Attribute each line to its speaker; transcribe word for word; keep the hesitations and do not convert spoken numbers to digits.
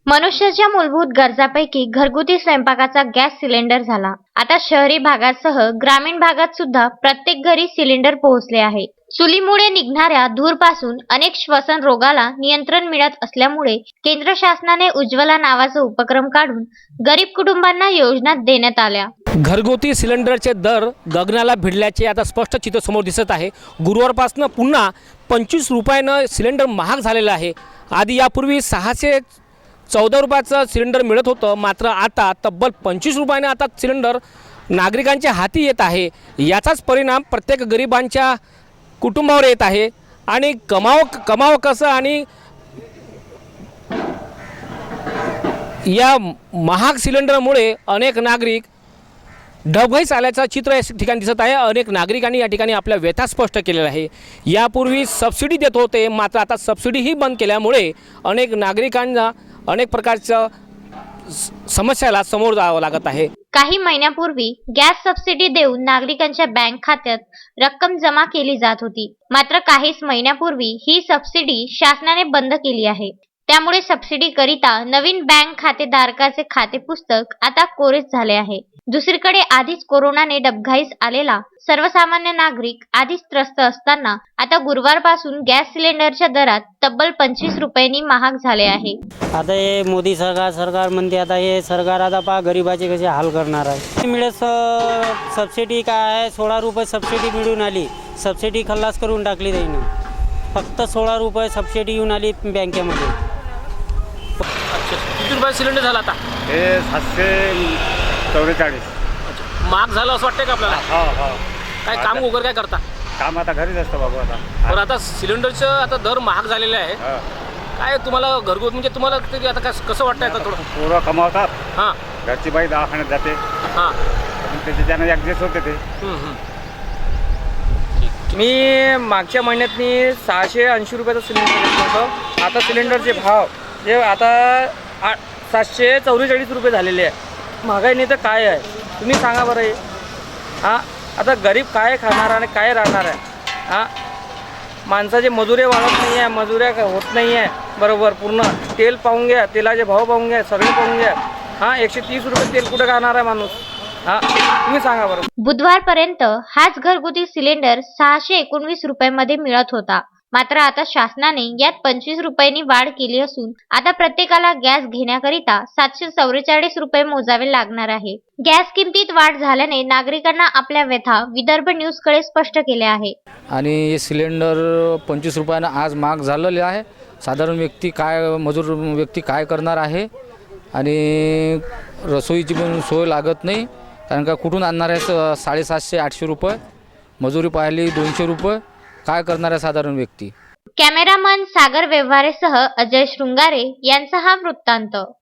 Speaker 1: मनुष्याच्या मूलभूत गरजांपैकी घरगुती स्वयंपाकाचा गॅस सिलेंडर झाला. आता शहरी भागासह ग्रामीण भागात सुद्धा प्रत्येक घरी सिलेंडर पोहोचले आहे. चुलीमुळे निघणाऱ्या धूरपासून अनेक श्वसन रोगाला नियंत्रण मिळत असल्यामुळे केंद्र शासनाने उज्ज्वला नावाचा उपक्रम काढून गरीब कुटुंबांना योजना देण्यात आल्या.
Speaker 2: घरगुती सिलेंडरचे दर गगनाला भिडल्याचे आता स्पष्ट चित्र समोर दिसत आहे. गुरुवारपासून पुन्हा पंचवीस रुपयानं सिलेंडर महाग झालेलं आहे. आधी यापूर्वी सहाशे चौदा रुपयाचं सिलेंडर मिळत होतं, मात्र आता तब्बल पंचवीस रुपयाने आता सिलेंडर नागरिकांच्या हाती येत आहे. याचाच परिणाम प्रत्येक गरिबांच्या कुटुंबावर येत आहे आणि कमाव कमाव कसं आणि या महाग सिलेंडरमुळे अनेक नागरिक ढबघाईस आल्याचं चित्र या ठिकाणी दिसत आहे. अनेक नागरिकांनी या ठिकाणी आपल्या व्यथा स्पष्ट केलेल्या आहे. यापूर्वी सबसिडी देत होते, मात्र आता सबसिडीही बंद केल्यामुळे अनेक नागरिकांना अनेक प्रकारच्या समस्याला समोर जावं लागत आहे.
Speaker 1: काही महिन्यापूर्वी गॅस सबसिडी देऊन नागरिकांच्या बँक खात्यात रक्कम जमा केली जात होती, मात्र काहीच महिन्यापूर्वी ही सबसिडी शासनाने बंद केली आहे. त्यामुळे सबसिडी करिता नवीन बँक खातेधारकाचे खाते पुस्तक आता कोरेच झाले आहे. दुसरीकडे आधीच कोरोनाने डबघाईस आलेला सर्वसामान्य नागरिक आधीच त्रस्त असताना आता गुरुवारपासून गॅस सिलेंडरच्या दरात तब्बल पंचवीस रुपयांनी महाग झाले आहे.
Speaker 3: आता हे मोदी सरकार सरकार म्हणते, आता हे सरकार आता पहा गरिबाचे कसे हाल करणार आहे. मिळत सबसिडी काय आहे, सोळा रुपये सबसिडी मिळून आली. सबसिडी खल्लास करून टाकली त्यानं. फक्त सोळा रुपये सबसिडी येऊन आली बँकेमध्ये.
Speaker 2: किती रुपये सिलेंडर झाला आता?
Speaker 4: हे सातशे चौवेचाळीस.
Speaker 2: महाग झालं असं वाटतंय का आपल्याला?
Speaker 4: हो हो.
Speaker 2: काय काम वगैरे काय करता?
Speaker 4: काम आता घरीच असतं बाबू. आता
Speaker 2: पण आता सिलेंडरचं आता दर महाग झालेले आहे.
Speaker 4: हा.
Speaker 2: काय तुम्हाला घरगुती म्हणजे तुम्हाला ते आता कसं कसं वाटतंय आता थोडं?
Speaker 4: पोरं कमावतात,
Speaker 2: हां
Speaker 4: घरची बाई दवाखान्यात जाते,
Speaker 2: हां
Speaker 4: पण त्याच्यानं ॲडजस्ट होते ते.
Speaker 5: मी मागच्या महिन्यात मी सहाशे ऐंशी रुपयाचं सिलेंडर घेतलं होतं. आता सिलेंडरचे भाव जे आता आ सातशे चौवेचाळीस रुपये झालेले आहे. महागाईने तर काय आहे तुम्ही सांगा बरं. हे हां आता गरीब काय खाणार आणि काय राहणार आहे? हां माणसाचे मजुरे वाढत नाही आहे, मजुऱ्या होत नाही आहे बरोबर. पूर्ण तेल पाहून घ्या, तेलाचे भाव पाहून घ्या, सगळे पाहून घ्या. हां एकशे तीस रुपये तेल कुठं खाणार आहे माणूस? हां तुम्ही सांगा बरं.
Speaker 1: बुधवारपर्यंत हाच घरगुती सिलेंडर सहाशे एकोणवीस रुपयांमध्ये मिळत होता, मात्र आता शासनाने यात पंचवीस रुपयांनी वाढ केली असून आता प्रत्येकाला गॅस घेण्याकरिता सातशे चौवेचाळीस रुपये मोजावे लागणार आहे. गॅस किमतीत वाढ झाल्याने नागरिकांना आपल्या व्यथा विदर्भ न्यूजकडे स्पष्ट केल्या आहे.
Speaker 6: आणि हे सिलेंडर पंचवीस रुपयानं आज महाग झालेले आहे. साधारण व्यक्ती काय, मजूर व्यक्ती काय करणार आहे? आणि रसोईची पण सोय लागत नाही, कारण का कुठून आणणार आहे? साडेसातशे आठशे रुपये मजुरी पाहिली, दोनशे रुपये काय करणार आहे साधारण व्यक्ती?
Speaker 1: कॅमेरामन सागर व्यवहारेसह अजय शृंगारे यांचा हा वृत्तांत.